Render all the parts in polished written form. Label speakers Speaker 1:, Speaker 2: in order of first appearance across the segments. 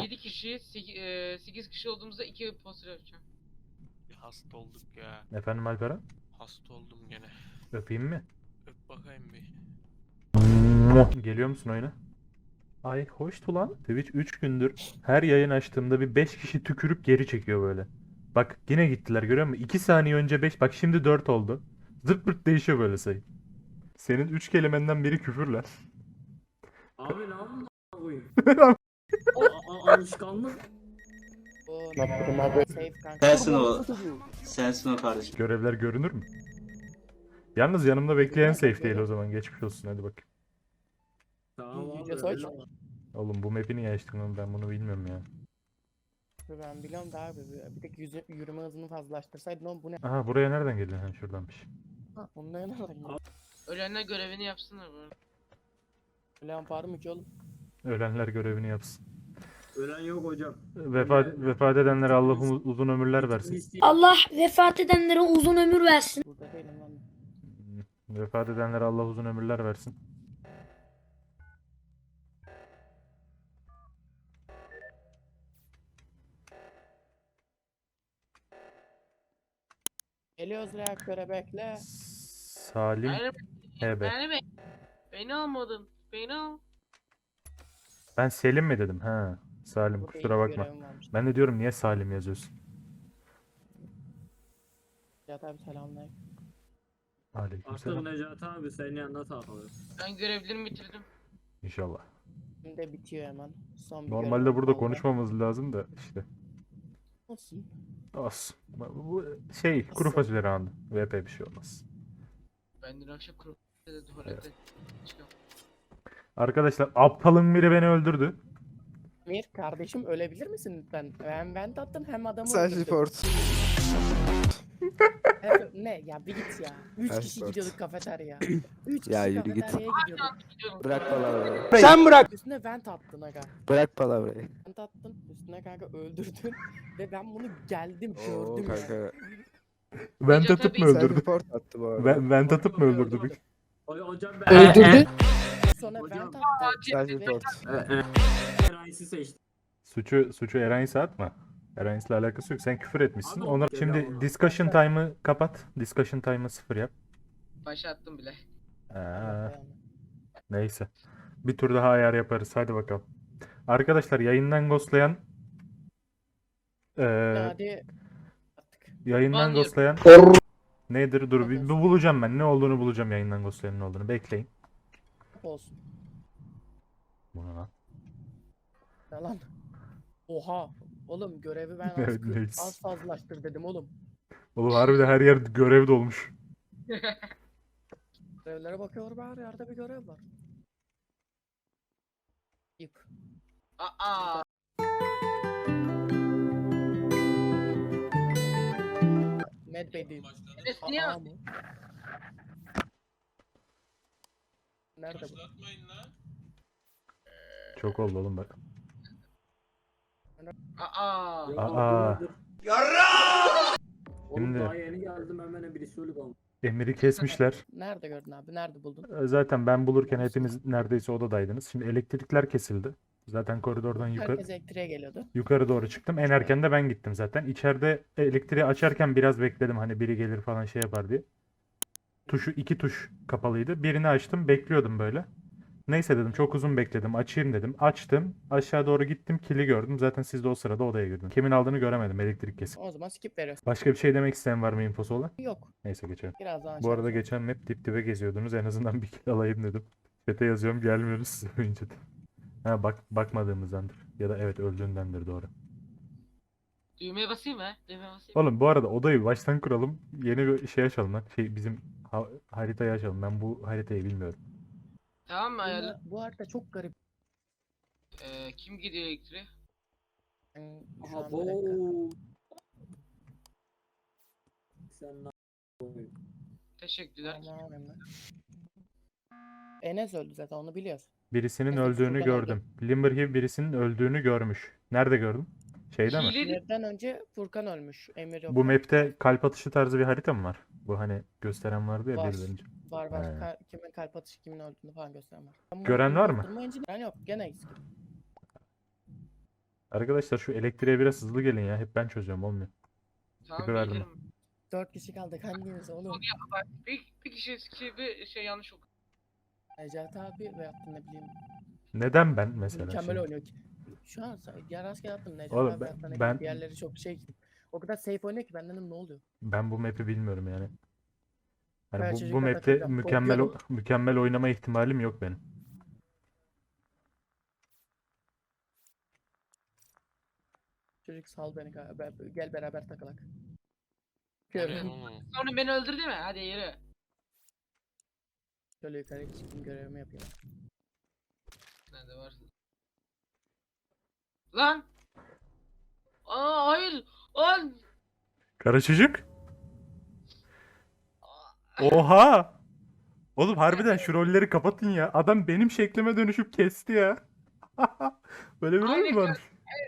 Speaker 1: 7 kişi, 8 kişi olduğumuzda 2 poster yapacağım.
Speaker 2: Hasta olduk ya.
Speaker 3: Efendim Alperen?
Speaker 2: Hasta oldum gene.
Speaker 3: Öpeyim mi?
Speaker 2: Öp bakayım bir.
Speaker 3: Geliyor musun oyuna? Ay hoştu lan. Twitch 3 gündür her yayın açtığımda bir 5 kişi tükürüp geri çekiyor böyle. Bak yine gittiler görüyor musun? 2 saniye önce 5, bak şimdi 4 oldu. Zırt pırt değişiyor böyle sayı. Senin 3 kelimenden biri küfür lan.
Speaker 4: Abi ne yapayım koyayım? Alışkanlık.
Speaker 5: Sensin o. Sensin o kardeşim.
Speaker 3: Görevler görünür mü? Yalnız yanımda bekleyen safe değil o zaman. Geçmiş olsun hadi bak.
Speaker 4: Tamam abi.
Speaker 6: Yüce Soç.
Speaker 3: Oğlum bu map'i niye açtın oğlum, ben bunu bilmiyorum ya.
Speaker 6: Ben biliyorum da abi. Bir tek yürüme hızını fazlalaştırsaydın oğlum bu ne?
Speaker 3: Aha buraya nereden geldin? Ha şuradanmış.
Speaker 6: Ha, onunla yanarlar.
Speaker 1: Ölenler görevini yapsınlar bu arada.
Speaker 6: Ulan parım hiç oğlum.
Speaker 3: Ölenler görevini yapsın.
Speaker 4: Ölen yok hocam.
Speaker 3: Vefat edenlere Allah uzun ömürler versin.
Speaker 7: Allah vefat edenlere uzun ömür versin.
Speaker 6: Burada değilim lan.
Speaker 3: Vefat edenlere Allah uzun ömürler versin.
Speaker 6: Geliyoruz reaktöre bekle.
Speaker 3: Salim
Speaker 1: Beni,
Speaker 3: HB.
Speaker 1: beni almadın. Beni al.
Speaker 3: Ben Selim mi dedim? Ha. Salim
Speaker 6: Burada
Speaker 3: kusura
Speaker 6: iyi
Speaker 3: bakma.
Speaker 6: görevim varmış.
Speaker 3: Ben de diyorum niye Salim yazıyorsun?
Speaker 6: Ya tabi selamünaleyküm.
Speaker 4: Artık
Speaker 3: Aleykümselam.
Speaker 4: Necati abi senin yanına takılır.
Speaker 1: Ben görevlerimi bitirdim.
Speaker 3: İnşallah.
Speaker 6: Şimdi de bitiyor hemen. Son bir
Speaker 3: Normalde
Speaker 6: görevim
Speaker 3: burada
Speaker 6: kaldı.
Speaker 3: konuşmamız lazım da işte.
Speaker 6: Olsun.
Speaker 3: Olsun. Bu şey kuru fasulye roundu. VP bir şey olmaz.
Speaker 1: Ben dün akşam kurulda tuvalette çıkıyorum.
Speaker 3: Arkadaşlar aptalın biri beni öldürdü.
Speaker 6: Mir kardeşim ölebilir misin lütfen? Hem ben tattım hem adamı
Speaker 8: Sen
Speaker 6: öldürdüm.
Speaker 8: report.
Speaker 6: Ne ya bir git ya. 3
Speaker 8: Sen
Speaker 6: kişi
Speaker 8: report.
Speaker 6: gidiyorduk kafeteryaya. 3 kişi
Speaker 8: Ya yürü git.
Speaker 6: kafeteryaya gidiyorduk.
Speaker 1: Gidiyorum.
Speaker 8: Bırak palavrayı.
Speaker 6: Sen bırak. Üstüne vent attın aga.
Speaker 8: Bırak palavrayı.
Speaker 6: Vent attın. Üstüne kanka öldürdün. Ve ben bunu geldim
Speaker 8: Oo
Speaker 6: gördüm ya.
Speaker 8: kanka.
Speaker 3: Vent
Speaker 1: Recep
Speaker 3: atıp mı
Speaker 1: abi-
Speaker 8: Sen
Speaker 3: öldürdü?
Speaker 8: report attı bu arada.
Speaker 3: Vent atıp mı öldürdü?
Speaker 4: Hocam ben
Speaker 6: Öldürdü. Sonra
Speaker 4: Hocam-
Speaker 6: vent attı.
Speaker 8: Sen report.
Speaker 4: Eray'sı seçtim.
Speaker 3: Suçu Eranis'e atma. Eranis'le alakası yok. Sen küfür etmişsin.
Speaker 4: Abi,
Speaker 3: Ona
Speaker 4: okey,
Speaker 3: şimdi
Speaker 4: tamam.
Speaker 3: discussion time'ı kapat. Discussion time'ı 0 yap.
Speaker 1: Başlattım bile.
Speaker 3: Neyse. Bir tur daha ayar yaparız. Hadi bakalım. Arkadaşlar yayından ghostlayan
Speaker 6: Hadi. Artık.
Speaker 3: yayından
Speaker 1: Ban
Speaker 3: ghostlayan nedir? Dur bir bulacağım ben. Ne olduğunu bulacağım, yayından ghostlayanın ne olduğunu. Bekleyin.
Speaker 6: Olsun.
Speaker 3: Bu ne lan?
Speaker 6: Ne lan? Oha. Oğlum görevi ben
Speaker 3: Evet, neyse.
Speaker 6: az fazlalaştır dedim oğlum.
Speaker 3: Oğlum harbiden her yer görev dolmuş.
Speaker 6: Görevlere bakıyorum her yerde bir görev var. Yık.
Speaker 1: Aa.
Speaker 6: Medbay değil.
Speaker 1: Enes niye?
Speaker 6: Aa mı? Nerede bu?
Speaker 3: Çok oldu oğlum bak.
Speaker 1: Aa.
Speaker 3: Aa.
Speaker 4: Oğlum
Speaker 3: Şimdi-
Speaker 4: daha yeni geldim hemen birisi ölü kaldı.
Speaker 3: Emir'i kesmişler.
Speaker 6: Nerede gördün abi? Nerede buldun?
Speaker 3: Zaten ben bulurken hepiniz neredeyse odadaydınız. Şimdi elektrikler kesildi. Zaten koridordan
Speaker 6: Herkes elektriğe geliyordu.
Speaker 3: yukarı doğru çıktım. En erken de ben gittim zaten. İçeride elektriği açarken biraz bekledim, hani biri gelir falan şey yapar diye. İki tuş kapalıydı. Birini açtım, bekliyordum böyle. Neyse dedim, çok uzun bekledim, açayım dedim. Açtım, aşağı doğru gittim, kili gördüm. Zaten siz de o sırada odaya girdiniz. Kimin aldığını göremedim, elektrik kesin.
Speaker 6: O zaman skip veriyorsun.
Speaker 3: Başka bir şey demek isteyen var mı, infosu olan?
Speaker 6: Yok.
Speaker 3: Neyse geçelim.
Speaker 6: Birazdan
Speaker 3: Bu arada
Speaker 6: açarız.
Speaker 3: geçen map dip dibe geziyordunuz. En azından bir kill alayım dedim. Chat'e yazıyorum, gelmiyoruz size önce de. Ha bakmadığımızdandır. Ya da evet öldüğündendir, doğru.
Speaker 1: Düğmeye basayım mı? Düğmeye basayım.
Speaker 3: Oğlum bu arada odayı baştan kuralım. Yeni bir şey açalım lan. Bizim haritayı açalım. Ben bu haritayı bilmiyorum.
Speaker 1: Tamam mı ayarlı?
Speaker 6: Bu harita çok garip.
Speaker 1: Kim gidiyor elektriğe?
Speaker 6: Ben şu
Speaker 4: Aha
Speaker 6: an bir dakika.
Speaker 4: bu. Sen ne yapıyorsun?
Speaker 1: Teşekkürler.
Speaker 6: Tamam, hemen. Enes öldü zaten onu biliyoruz.
Speaker 3: Birisinin
Speaker 6: Evet,
Speaker 3: öldüğünü
Speaker 6: Furkan
Speaker 3: gördüm. Limberhill birisinin öldüğünü görmüş. Nerede gördün? Şeyde mi?
Speaker 1: Hile-
Speaker 6: Emir'den önce Furkan ölmüş. Emir yok.
Speaker 3: Bu map'te kalp atışı tarzı bir harita mı var? Bu hani gösteren vardı ya
Speaker 6: Var.
Speaker 3: biraz önce.
Speaker 6: Var.
Speaker 3: He.
Speaker 6: Kimin kalp atışı kimin öldüğünü falan gösteren var. Ben bunu
Speaker 3: Gören var mı?
Speaker 6: durdurmayınca- Ben yok gene eksik.
Speaker 3: Arkadaşlar şu elektriğe biraz hızlı gelin ya. Hep ben çözüyorum olmuyor.
Speaker 1: Tamam
Speaker 3: Tipi verdim.
Speaker 1: gelirim.
Speaker 6: 4 kişi kaldık hanginiz oğlum?
Speaker 1: Bak, bir kişi yanlış okudu.
Speaker 6: Necati abi veyahut da ne bileyim
Speaker 3: Neden ben mesela
Speaker 6: mükemmel
Speaker 3: şimdi?
Speaker 6: oynuyor ki. Şu an ya rastgele attım Necati
Speaker 3: Oğlum
Speaker 6: abi veyahut da ne
Speaker 3: ben-
Speaker 6: bileyim diğerleri çok şey. O kadar safe oynuyor ki ben dedim ne oluyor?
Speaker 3: Ben bu map'i bilmiyorum yani. Yani
Speaker 6: Ben
Speaker 3: bu
Speaker 6: çocukla
Speaker 3: map'te
Speaker 6: takılacağım, korkuyorum.
Speaker 3: mükemmel oynama ihtimalim yok benim.
Speaker 6: Çocuk sal beni kanka. Gel beraber takılak.
Speaker 2: Nereye
Speaker 6: Görün.
Speaker 2: oğlum?
Speaker 1: Sonra beni öldürdü mü? Hadi yürü.
Speaker 6: Şöyle yukarı çıkayım görevimi yapayım.
Speaker 1: Nerede varsın? Lan! Aa hayır! Lan!
Speaker 3: Kara çocuk. Oha! Oğlum harbiden şu rolleri kapatın ya. Adam benim şeklime dönüşüp kesti ya. Böyle bir rol
Speaker 1: Aynen
Speaker 3: mü varmış?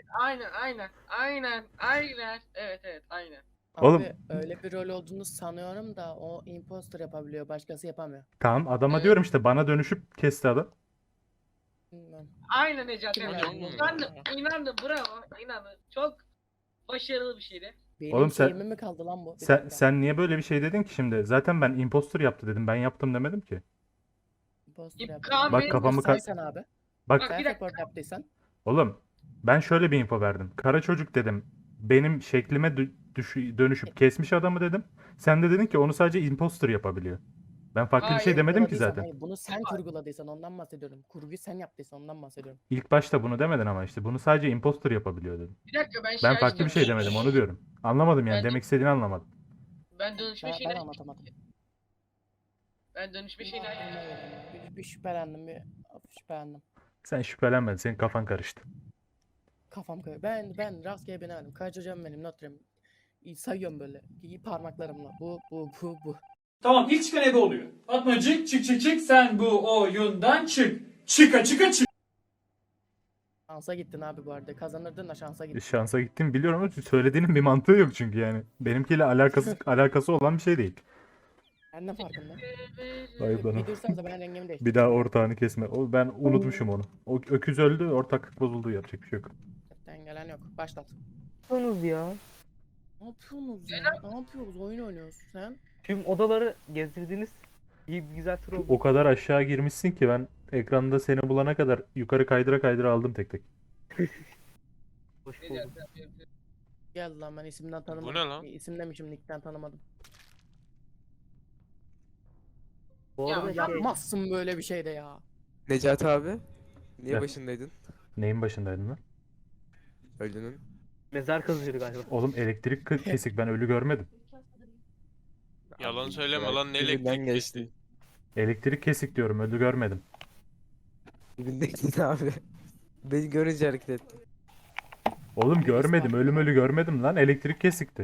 Speaker 1: Aynen. Evet, aynen.
Speaker 3: Oğlum-
Speaker 6: Abi öyle bir rol olduğunu sanıyorum da o imposter yapabiliyor. Başkası yapamıyor.
Speaker 3: Tamam adama
Speaker 1: Evet.
Speaker 3: diyorum işte bana dönüşüp kesti adam.
Speaker 6: Bilmem.
Speaker 1: Aynen Necati.
Speaker 6: Kim
Speaker 1: Hocam.
Speaker 2: yani?
Speaker 1: İnandım, bravo. İnandım. Çok başarılı bir şeydi.
Speaker 6: Benim
Speaker 3: Oğlum sen-
Speaker 6: şeyime mi kaldı lan bu? Bir
Speaker 3: Sen,
Speaker 6: dakika.
Speaker 3: sen niye böyle bir şey dedin ki şimdi? Zaten ben impostor yaptı dedim. Ben yaptım demedim ki.
Speaker 6: Imposter
Speaker 1: İp-
Speaker 6: yaptı.
Speaker 1: Kaan
Speaker 3: Bak
Speaker 1: Bey-
Speaker 3: kafamı ka-
Speaker 6: Saysan abi.
Speaker 3: Bak
Speaker 1: Bak,
Speaker 6: Sen
Speaker 1: bir dakika.
Speaker 6: report yaptıysan.
Speaker 3: oğlum ben şöyle bir info verdim. Kara çocuk dedim. Benim şeklime dönüşüp kesmiş adamı dedim. Sen de dedin ki onu sadece imposter yapabiliyor. Ben farklı bir şey
Speaker 1: Hayır,
Speaker 3: demedim ki
Speaker 6: Kurguladıysan,
Speaker 3: zaten.
Speaker 6: hayır, bunu sen kurguladıysan ondan bahsediyorum. Kurguyu sen yaptıysan ondan bahsediyorum.
Speaker 3: İlk başta bunu demedin ama işte bunu sadece imposter yapabiliyor dedim.
Speaker 1: Bir dakika ben
Speaker 3: Ben farklı bir şey demedim onu diyorum. Anlamadım yani
Speaker 1: Ben-
Speaker 3: demek istediğini anlamadım.
Speaker 1: Ben dönüşme
Speaker 6: Ben
Speaker 1: şeyini
Speaker 6: anlatamadım.
Speaker 1: Ben dönüşme şeyini
Speaker 6: Bir şüphelendim. Bir hafif şüphelendim.
Speaker 3: Sen şüphelenmedin. Senin kafan karıştı.
Speaker 6: Kafam kayıyor. Ben rastgele binemedim. Kaç hocam benim notlarım. Sayıyorum böyle. Parmaklarımla. Bu.
Speaker 9: Tamam ilk çıkan ebe oluyor. Fatmacık çık sen bu oyundan çık. Çıka çık.
Speaker 6: Şansa gittin abi bu arada. Kazanırdın da şansa gittin.
Speaker 3: Şansa gittim biliyorum ama söylediğinin bir mantığı yok çünkü yani. Benimkiyle alakası olan bir şey değil.
Speaker 6: Ben de farkında.
Speaker 3: Ayıp lan o.
Speaker 6: Bir dursanıza ben rengimi değiştirdim.
Speaker 3: Bir daha ortağını kesme. Ben unutmuşum onu. O öküz öldü, ortaklık bozuldu. Yapacak bir şey yok.
Speaker 6: Chatten gelen yok. Başlat.
Speaker 8: Yapıyorsunuz ya?
Speaker 6: Ne yapıyorsunuz ya? Ne yapıyoruz? Oyun oynuyoruz. Sen?
Speaker 8: Tüm odaları gezdirdiniz. İyi bir güzel tur oldu.
Speaker 3: O kadar aşağı girmişsin ki ben ekranda seni bulana kadar yukarı kaydıra aldım tek tek.
Speaker 8: Hoş bulduk.
Speaker 6: Gel lan ben isimden tanımadım.
Speaker 2: ne lan?
Speaker 6: İsim demişim nickten tanımadım.
Speaker 8: Bu
Speaker 1: Ya,
Speaker 8: arada şey,
Speaker 6: Yapmazsın böyle bir şey de ya.
Speaker 10: Necati abi, niye
Speaker 3: Ya.
Speaker 10: başındaydın?
Speaker 3: Neyin başındaydın lan?
Speaker 10: Ölünün.
Speaker 8: mezar kazıyordu galiba.
Speaker 3: Oğlum elektrik kesik ben ölü görmedim.
Speaker 2: Yalan
Speaker 10: Abi,
Speaker 2: söyleme
Speaker 10: ya,
Speaker 2: lan ne
Speaker 10: dibinden
Speaker 2: elektrik
Speaker 10: geçti.
Speaker 2: kesti.
Speaker 3: Elektrik kesik diyorum ölü görmedim.
Speaker 10: Dibindeydin abi. Beni görünce hareket ettin.
Speaker 3: Oğlum görmedim ölü görmedim lan elektrik kesikti.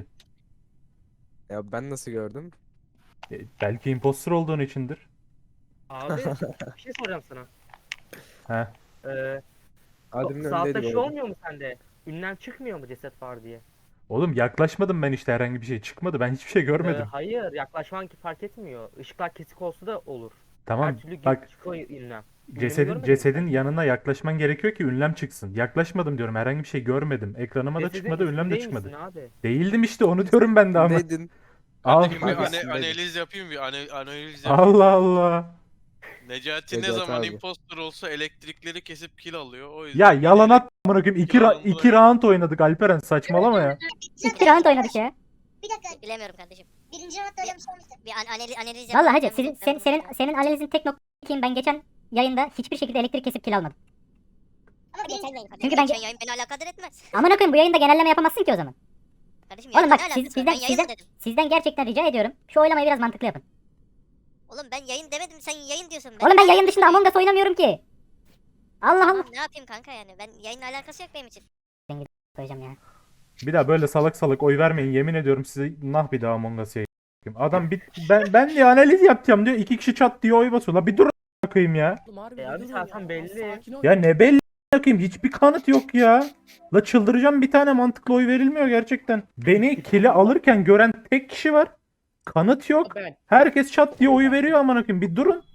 Speaker 10: Ya ben nasıl gördüm?
Speaker 3: Belki imposter olduğun içindir.
Speaker 8: Abi bir şey soracağım sana.
Speaker 3: He.
Speaker 10: Adem'in
Speaker 8: Saatte
Speaker 10: önündeydi
Speaker 8: şey
Speaker 10: bu arada.
Speaker 8: olmuyor mu sende? Ünlem çıkmıyor mu ceset var diye?
Speaker 3: Oğlum yaklaşmadım ben işte herhangi bir şey çıkmadı. Ben hiçbir şey görmedim.
Speaker 8: Hayır yaklaşman ki fark etmiyor. Işıklar kesik olsa da olur.
Speaker 3: Tamam
Speaker 8: Her türlü
Speaker 3: bak
Speaker 8: çıkıyor ünlem.
Speaker 3: cesedin
Speaker 8: görmedin mi
Speaker 3: yanına yaklaşman gerekiyor ki ünlem çıksın. Yaklaşmadım diyorum herhangi bir şey görmedim. Ekranıma da
Speaker 8: Cesedin
Speaker 3: çıkmadı ünlem de
Speaker 8: üstünde
Speaker 3: çıkmadı.
Speaker 8: misin abi?
Speaker 3: Değildim işte onu diyorum ben de ama.
Speaker 10: Neydin?
Speaker 3: Al.
Speaker 2: Hadi bir
Speaker 10: Abi,
Speaker 2: analiz
Speaker 10: üstündeydin.
Speaker 2: yapayım analiz yapayım.
Speaker 3: Allah Allah.
Speaker 2: Necati ne
Speaker 10: Necati
Speaker 2: zaman
Speaker 10: abi.
Speaker 2: impostor olsa elektrikleri kesip kill alıyor. O
Speaker 3: Ya
Speaker 2: yüzden
Speaker 3: yalan at amına koyayım.
Speaker 2: Yalan
Speaker 3: İki
Speaker 2: bırak.
Speaker 3: round oynadık Alperen saçmalama ya.
Speaker 7: İki round oynadık ya.
Speaker 11: Bir dakika. Bilemiyorum kardeşim. Birinci roundda öyle bir şey olmuştu. Bir analiz
Speaker 7: Vallahi hacı
Speaker 11: yapalım.
Speaker 7: senin analizin tek noktayım. Ben geçen yayında hiçbir şekilde elektrik kesip kill almadım.
Speaker 11: Ama geçen yayın.
Speaker 7: Çünkü ben-
Speaker 11: geçen yayın beni alakadar etmez.
Speaker 7: Amına koyayım bu yayında genelleme yapamazsın ki o zaman.
Speaker 11: Kardeşim
Speaker 7: Oğlum
Speaker 11: yayınla
Speaker 7: bak
Speaker 11: ne alakası var?
Speaker 7: sizden
Speaker 11: Ben yayın mı dedim?
Speaker 7: sizden gerçekten rica ediyorum. Şu oylamayı biraz mantıklı yapın.
Speaker 11: Oğlum ben yayın demedim, sen yayın diyorsun.
Speaker 7: Oğlum ben yayın dışında Among Us oynamıyorum ki. Allah Allah.
Speaker 11: Tamam, ne yapayım kanka yani? Ben yayınla alakası yok benim için.
Speaker 7: Koyacağım ya.
Speaker 3: Bir daha böyle salak oy vermeyin. Yemin ediyorum size nah bir daha Among Us'a Adam ben diye analiz yapacağım diyor. 2 kişi çat diye oy basıyor. La bir dur bakayım ya.
Speaker 6: Oğlum harbi
Speaker 8: abi
Speaker 6: bir durun
Speaker 8: zaten
Speaker 6: ya.
Speaker 8: belli.
Speaker 6: Sakin ol.
Speaker 3: Ya ne belli bakayım hiçbir kanıt yok ya. La çıldıracağım bir tane mantıklı oy verilmiyor gerçekten. Beni kili alırken gören tek kişi var. Kanıt yok.
Speaker 6: Ben.
Speaker 3: Herkes çat diye oy veriyor aman koyayım. Bir durun.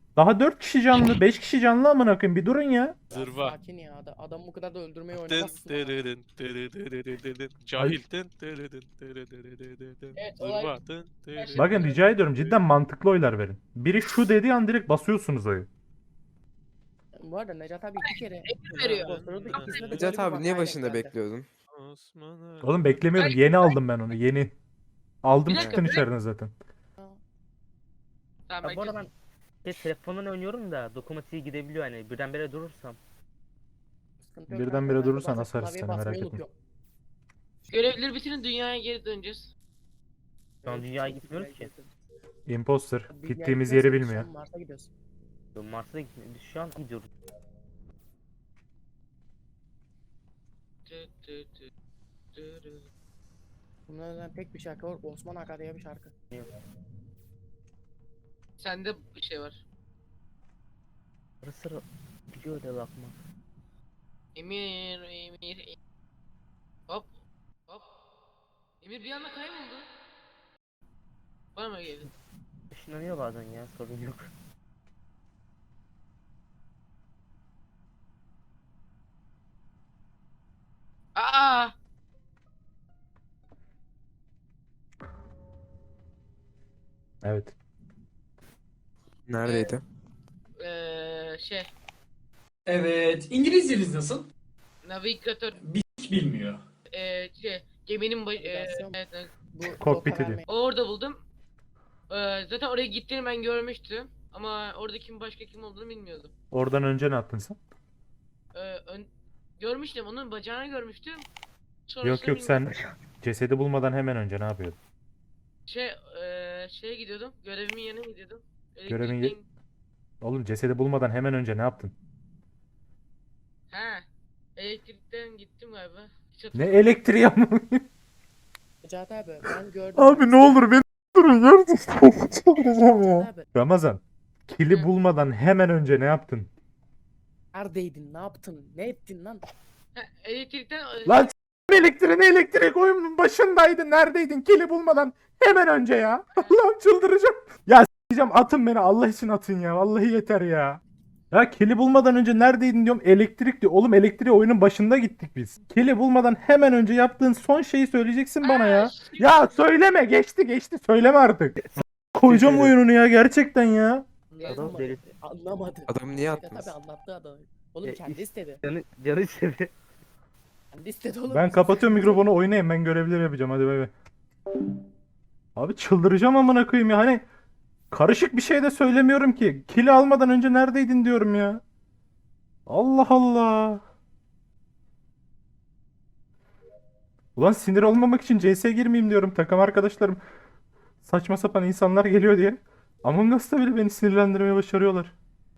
Speaker 3: Daha 4 kişi canlı, 5 kişi canlı amına koyayım. Bir durun ya.
Speaker 6: Ya
Speaker 2: Zırva.
Speaker 6: Sakin ya. Adam bu kadar da öldürmeyi
Speaker 2: Dın
Speaker 6: oynamazsın. ama.
Speaker 2: dırırın dırırırırırırın. Cahil. Dın dırırın dırırırırırın.
Speaker 6: Evet, olay-
Speaker 2: Zırva. Dın dırırın.
Speaker 3: Bakın rica ediyorum cidden mantıklı oylar verin. Biri şu dediği an direkt basıyorsunuz oyu.
Speaker 6: Bu arada Necat abi 2 kere
Speaker 1: veriyor.
Speaker 6: kontrolü ikisinde de böyle
Speaker 10: Necat
Speaker 6: bir
Speaker 10: abi niye
Speaker 6: vakaya
Speaker 10: başında
Speaker 6: denk geldi.
Speaker 10: bekliyordun?
Speaker 2: Osman'a.
Speaker 3: Oğlum beklemiyorum. Yeni aldım ben onu. Yeni. Aldım
Speaker 1: Bir dakika,
Speaker 3: çıktın
Speaker 1: bir
Speaker 3: içeriden zaten.
Speaker 1: Tamam
Speaker 8: Ya bu arada ben telefondan oynuyorum da dokunmatiğe gidebiliyor hani birdenbire durursam.
Speaker 6: Sıkıntı yok
Speaker 3: Birdenbire
Speaker 6: kanka, ben de
Speaker 3: durursan
Speaker 6: bazen
Speaker 3: asarız
Speaker 6: klavyeye
Speaker 3: seni, merak
Speaker 6: basmayı
Speaker 3: etme.
Speaker 6: unutuyorum.
Speaker 1: Görevleri bitirin, dünyaya geri döneceğiz.
Speaker 8: Şu an dünyaya gitmiyoruz ki.
Speaker 3: Imposter.
Speaker 6: Dünyaya
Speaker 3: Gittiğimiz
Speaker 6: gitmiyoruz
Speaker 3: yeri
Speaker 6: ki,
Speaker 3: bilmiyor.
Speaker 6: şu an Mars'a gidiyoruz.
Speaker 8: Mars'a da gitmiyoruz. Biz şu an gidiyoruz.
Speaker 6: Bunlardan tek bir şarkı var. Osman Aka diye bir şarkı.
Speaker 1: Sende bir şey var.
Speaker 8: Ara sıra biliyor öyle bakmak.
Speaker 1: Emir. Hop. Hop. Emir bir anda kayboldu. Bana mı geldi?
Speaker 8: Işınlanıyor bazen ya sorun yok.
Speaker 1: Aa!
Speaker 3: Evet.
Speaker 10: Neredeydi?
Speaker 1: Şey.
Speaker 9: Evet. İngilizceniz nasıl?
Speaker 1: Navigatör.
Speaker 9: Hiç bilmiyor.
Speaker 1: Geminin
Speaker 6: Navigasyon.
Speaker 1: evet,
Speaker 6: Bu
Speaker 3: Kokpiti
Speaker 6: rota
Speaker 3: diyor.
Speaker 6: vermeyi-
Speaker 1: orada buldum. Zaten oraya gittiğini ben görmüştüm. Ama orada başka kim olduğunu bilmiyordum.
Speaker 3: Oradan önce ne yaptın sen?
Speaker 1: Görmüştüm, onun bacağını görmüştüm.
Speaker 3: Yok
Speaker 1: Sonrasını
Speaker 3: yok sen
Speaker 1: bilmiyorum.
Speaker 3: cesedi bulmadan hemen önce ne yapıyordun?
Speaker 1: Şeye gidiyordum. Görevimin yanına gidiyordum.
Speaker 3: Görevin ye-
Speaker 1: Elektrikten-
Speaker 3: Oğlum cesedi bulmadan hemen önce ne yaptın?
Speaker 1: He. Elektrikten gittim galiba. Hiç
Speaker 3: Ne
Speaker 1: hatırlamıyorum.
Speaker 3: elektriği ama?
Speaker 6: Necat abi ben gördüm.
Speaker 3: Abi ne olur beni durun gerçekten çıldıracağım ya.
Speaker 6: Necat abi
Speaker 3: Ramazan, kili
Speaker 1: Hı.
Speaker 3: bulmadan hemen önce ne yaptın?
Speaker 6: neredeydin? Ne yaptın? Ne ettin lan?
Speaker 1: He, elektrikten
Speaker 3: Lan elektrik oyunun başındaydın. Neredeydin? Kili bulmadan hemen önce ya. Allah'ım çıldıracağım. Ya s**eceğim, atın beni. Allah için atın ya. Vallahi yeter ya. Ya kili bulmadan önce neredeydin diyorum. Elektrik diyor. Oğlum elektriğe oyunun başında gittik biz. Kili bulmadan hemen önce yaptığın son şeyi söyleyeceksin bana ya. Ya söyleme. Geçti. Söyleme artık. Koyacağım oyununu ya. Gerçekten ya.
Speaker 6: Anlamadı.
Speaker 8: deli.
Speaker 6: Anlamadı.
Speaker 10: Adam niye
Speaker 6: Necat
Speaker 10: atmaz?
Speaker 6: abi anlattı adamı. Oğlum
Speaker 8: Ya,
Speaker 6: kendi istedi.
Speaker 8: Canı istedi.
Speaker 6: Kendi istedi oğlum.
Speaker 3: Ben kapatıyorum mikrofonu, oynayayım. Ben görevleri yapacağım. Hadi bay bay. Abi çıldıracağım amına koyayım ya. Hani karışık bir şey de söylemiyorum ki. Kili almadan önce neredeydin diyorum ya. Allah Allah. Ulan sinir olmamak için CS girmeyeyim diyorum. Takım arkadaşlarım saçma sapan insanlar geliyor diye. Among Us'ta bile beni sinirlendirmeye başarıyorlar.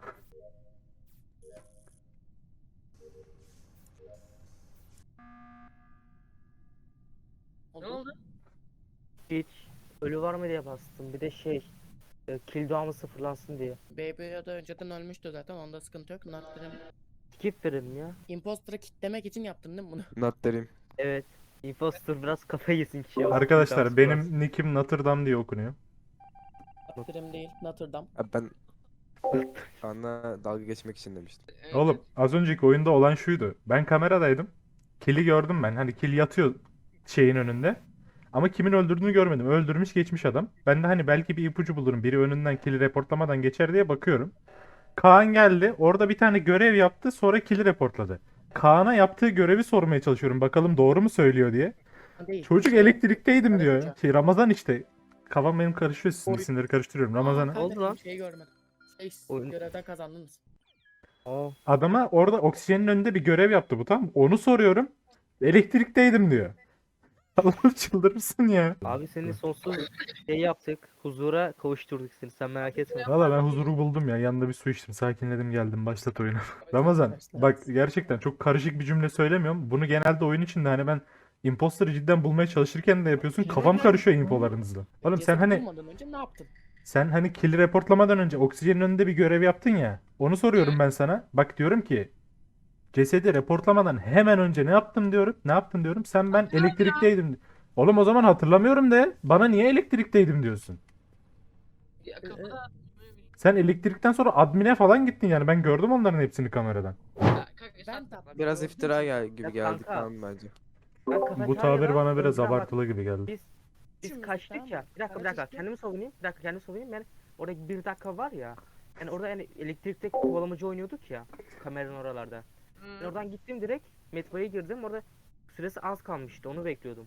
Speaker 1: Ne oldu?
Speaker 8: Hiç ölü var mı diye bastım. Bir de kill doğamı sıfırlansın diye.
Speaker 6: Baby ya da önceden ölmüştü zaten. Onda sıkıntı yok. Not dedim.
Speaker 8: Skip verelim ya.
Speaker 6: Imposter'ı kitlemek için yaptın değil mi bunu?
Speaker 10: Not derim.
Speaker 8: Evet. Imposter biraz kafayı yesin kişiye.
Speaker 3: Arkadaşlar benim nickim Notre Dame diye okunuyor.
Speaker 6: Not dedim değil. Notre Dame.
Speaker 10: Abi ben Kaan'la dalga geçmek için demiştim.
Speaker 1: Evet,
Speaker 3: Oğlum az önceki oyunda olan şuydu. Ben kameradaydım. Kill'i gördüm ben. Hani kill yatıyor şeyin önünde. Ama kimin öldürdüğünü görmedim. Öldürmüş geçmiş adam. Ben de hani belki bir ipucu bulurum. Biri önünden kill'i reportlamadan geçer diye bakıyorum. Kaan geldi. Orada bir tane görev yaptı. Sonra kill'i reportladı. Kaan'a yaptığı görevi sormaya çalışıyorum. Bakalım doğru mu söylüyor diye.
Speaker 6: Değil.
Speaker 3: Çocuk elektrikteydim diyor. Şey Ramazan işte. Kafam benim karışıyor. Sizin
Speaker 6: Oy.
Speaker 3: isimleri karıştırıyorum. Ramazan'ı.
Speaker 8: Oldu lan.
Speaker 6: Şeyi görmedim.
Speaker 8: Oyun-
Speaker 6: Görevden kazandınız.
Speaker 8: Aa,
Speaker 3: Adama orada oksijenin önünde bir görev yaptı bu, tamam mı? Onu soruyorum. Elektrikteydim diyor. Allah'ım çıldırırsın ya.
Speaker 8: abi seni sonsuz yaptık. Huzura kavuşturduk seni. Sen merak etme.
Speaker 3: Valla ben huzuru buldum ya. Yanında bir su içtim. Sakinledim, geldim. Başlat oyunu. Ramazan
Speaker 6: Arkadaşlar.
Speaker 3: bak gerçekten çok karışık bir cümle söylemiyorum. Bunu genelde oyun içinde hani ben imposter'ı cidden bulmaya çalışırken de yapıyorsun. Kafam karışıyor infolarınızla. Oğlum sen
Speaker 6: Cesedi
Speaker 3: hani
Speaker 6: bulmadan önce ne yaptın?
Speaker 3: kill reportlamadan önce oksijenin önünde bir görev yaptın ya. Onu soruyorum ben sana. Bak diyorum ki cesedi reportlamadan hemen önce ne yaptın diyorum. Ne yaptın diyorum. Sen ben elektrikteydim. Oğlum o zaman hatırlamıyorum de bana niye elektrikteydim diyorsun.
Speaker 1: Ya kafada
Speaker 3: Sen elektrikten sonra admine falan gittin yani. Ben gördüm onların hepsini kameradan.
Speaker 1: Ya, kanka,
Speaker 6: Ben
Speaker 1: sen-
Speaker 6: tattım.
Speaker 10: Biraz
Speaker 6: gördüm
Speaker 10: iftira
Speaker 6: seni.
Speaker 10: gibi
Speaker 8: Ya
Speaker 10: geldi
Speaker 8: kanka.
Speaker 10: Kaan bence.
Speaker 8: Ben
Speaker 3: Bu
Speaker 8: kafeteryada
Speaker 3: tabir bana biraz
Speaker 8: önceden bak-
Speaker 3: abartılı gibi geldi.
Speaker 8: Biz
Speaker 6: Şimdi
Speaker 8: kaçtık
Speaker 6: tamam
Speaker 8: ya.
Speaker 6: mı?
Speaker 8: Bir dakika
Speaker 6: Kaçtık.
Speaker 8: kendimi savunayım. Bir dakika kendimi savunayım. Yani orada bir dakika var ya. Yani orada yani elektrikte kovalamacı oynuyorduk ya. Kameranın oralarda. Ben
Speaker 1: Hı.
Speaker 8: oradan gittim direkt. Metroya girdim. Orada süresi az kalmıştı. Onu bekliyordum.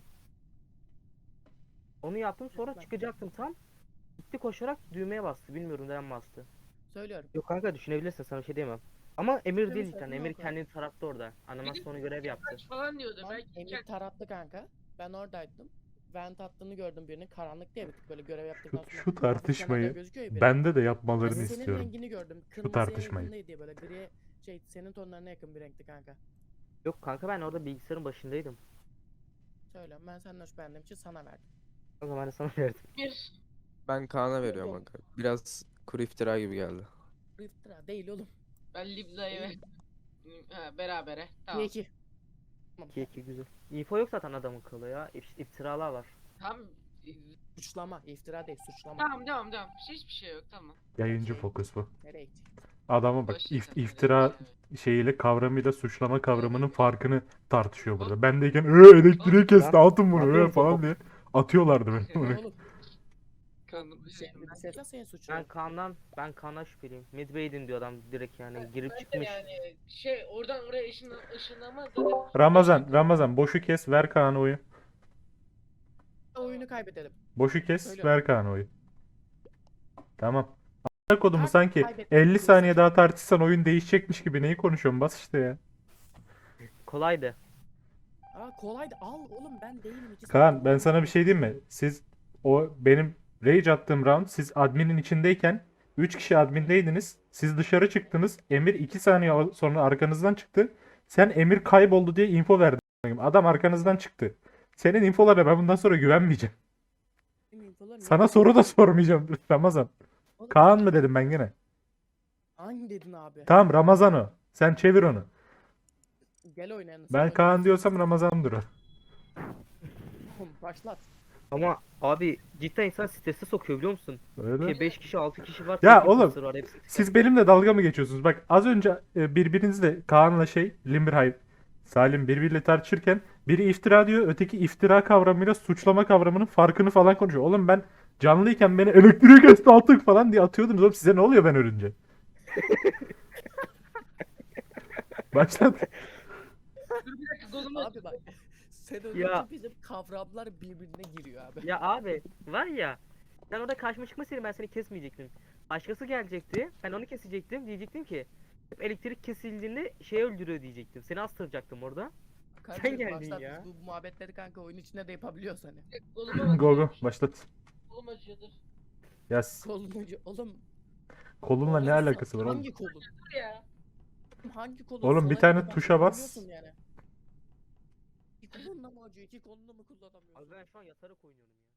Speaker 8: Onu yaptım sonra
Speaker 6: Ben-
Speaker 8: çıkacaktım tam. Gitti koşarak düğmeye bastı. Bilmiyorum neden bastı.
Speaker 6: Söylüyorum.
Speaker 8: Yok kanka düşünebilirsin sana bir şey diyemem. Ama Emir
Speaker 6: Tabii
Speaker 8: değil
Speaker 6: sakın
Speaker 8: cidden. Emir
Speaker 6: olma.
Speaker 8: kendini tarattı orada. Animasyonu görev yaptı.
Speaker 1: Kaç falan diyordu.
Speaker 6: Lan
Speaker 1: Belki
Speaker 6: Emir tarattı kanka. Ben oradaydım. Vent attığını gördüm birinin. Karanlık diye bir tık böyle görev yaptıktan sonra.
Speaker 3: Şu tartışmayı
Speaker 6: kenarda gözüküyor ya biri.
Speaker 3: bende de
Speaker 6: Ben
Speaker 3: yapmalarını
Speaker 6: senin
Speaker 3: istiyorum.
Speaker 6: rengini gördüm.
Speaker 3: Şu
Speaker 6: Kırmızıya
Speaker 3: tartışmayı.
Speaker 6: yakın diye böyle gri senin tonlarına yakın bir renkti kanka.
Speaker 8: Yok kanka ben orada bilgisayarın başındaydım.
Speaker 6: Söyle ben senden şüphelendiğim için sana verdim.
Speaker 8: O zaman ben de sana verdim.
Speaker 1: bir.
Speaker 10: Ben Kaan'a veriyorum kanka. Biraz kuru iftira gibi geldi.
Speaker 6: Bu iftira değil oğlum.
Speaker 1: Ben Libla'yı ver. Ha, berabere. Tamam.
Speaker 6: 2-2.
Speaker 8: 2-2 güzel. İnfo yok zaten adamın kılı ya. İftiralar var.
Speaker 1: Tamam.
Speaker 6: Suçlama. iftira değil suçlama.
Speaker 1: Tamam, devam. Hiçbir şey yok, tamam.
Speaker 3: Yayıncı fokus bu.
Speaker 6: Nereye gitti?
Speaker 3: Adama bak
Speaker 1: Boş ver sen,
Speaker 3: iftira
Speaker 1: evet.
Speaker 3: şeyiyle kavramıyla suçlama kavramının farkını tartışıyor burada. Bendeyken elektriği kesti atın bunu
Speaker 8: Aferin
Speaker 3: falan
Speaker 8: sana.
Speaker 3: diye atıyorlardı beni.
Speaker 6: Oğlum
Speaker 1: Kanım.
Speaker 6: sen senin suçun.
Speaker 8: Ben Kaan'dan şüpheliyim. Midway'din diyor adam direkt yani girip
Speaker 1: Ben de
Speaker 8: çıkmış.
Speaker 1: yani oradan oraya ışınlanmaz zaten.
Speaker 3: Ramazan boşu kes ver Kaan'a oyu.
Speaker 6: Oyunu kaybedelim.
Speaker 3: Boşu kes
Speaker 6: Söyle.
Speaker 3: ver Kaan'a oyu. Tamam. A**ına kodumu
Speaker 6: Kanka,
Speaker 3: sanki
Speaker 6: kaybetmek
Speaker 3: 50
Speaker 6: diyorsun.
Speaker 3: saniye daha tartışsan oyun değişecekmiş gibi neyi konuşuyorsun bas işte ya.
Speaker 8: Kolaydı.
Speaker 6: Aa kolaydı. Al oğlum ben değilim.
Speaker 3: Kaan ben sana bir şey diyeyim mi? Siz o benim rage attığım round siz adminin içindeyken 3 kişi admindeydiniz. Siz dışarı çıktınız. Emir 2 saniye sonra arkanızdan çıktı. Sen Emir kayboldu diye info verdin. Adam arkanızdan çıktı. Senin infolarına ben bundan sonra güvenmeyeceğim. Sana soru da sormayacağım Ramazan.
Speaker 6: Oğlum,
Speaker 3: Kaan mı dedim ben gene?
Speaker 6: hangi dedin abi?
Speaker 3: Tamam Ramazan o. Sen çevir onu.
Speaker 6: Gel oynayalım.
Speaker 3: Ben Kaan diyorsam Ramazan'dır o.
Speaker 6: Başlat.
Speaker 8: Ama abi cidden insan strese sokuyor biliyor musun?
Speaker 3: Öyle.
Speaker 8: 5 kişi 6 kişi var.
Speaker 3: Ya
Speaker 8: tek bir
Speaker 3: oğlum,
Speaker 8: kısır var, hepsi
Speaker 3: Siz benimle dalga mı geçiyorsunuz? Bak az önce birbirinizle Kaan'la Limberhay, Salim birbiriyle tartışırken biri iftira diyor, öteki iftira kavramıyla suçlama kavramının farkını falan konuşuyor. Oğlum ben canlıyken beni elektriği kesti attık falan diye atıyordunuz. Oğlum size ne oluyor ben ölünce? Başlat.
Speaker 1: Bir dakika, kolumu
Speaker 6: Abi bak. Sen önce
Speaker 8: Ya.
Speaker 6: bizim kavramlar birbirine giriyor abi.
Speaker 8: Ya abi var ya sen orada karşıma çıkmasaydın ben seni kesmeyecektim. Başkası gelecekti. Ben onu kesecektim. Diyecektim ki hep elektrik kesildiğinde şey öldürüyor diyecektim. Seni astıracaktım orada.
Speaker 6: Kardeşim,
Speaker 8: geldin
Speaker 6: başlat.
Speaker 8: ya.
Speaker 6: Biz bu muhabbetleri kanka oyun içinde de yapabiliyoruz hani.
Speaker 1: Koluma
Speaker 3: Go go başlat.
Speaker 1: Kolum acıyordur.
Speaker 3: Ya
Speaker 6: Koluncu oğlum.
Speaker 3: kolunla ne
Speaker 6: oğlum,
Speaker 3: alakası var oğlum?
Speaker 6: Hangi kolun?
Speaker 1: Dur ya.
Speaker 6: Hangi kolun?
Speaker 3: Oğlum, bir
Speaker 6: Sola
Speaker 3: tane
Speaker 6: ya da
Speaker 3: tuşa
Speaker 6: başka
Speaker 3: bas.
Speaker 6: biliyorsun Yani. İki kolunla mı acıyor? İki kolunla mı kullanamıyorsun?
Speaker 8: Abi ben şu an yatarak oynuyorum ya.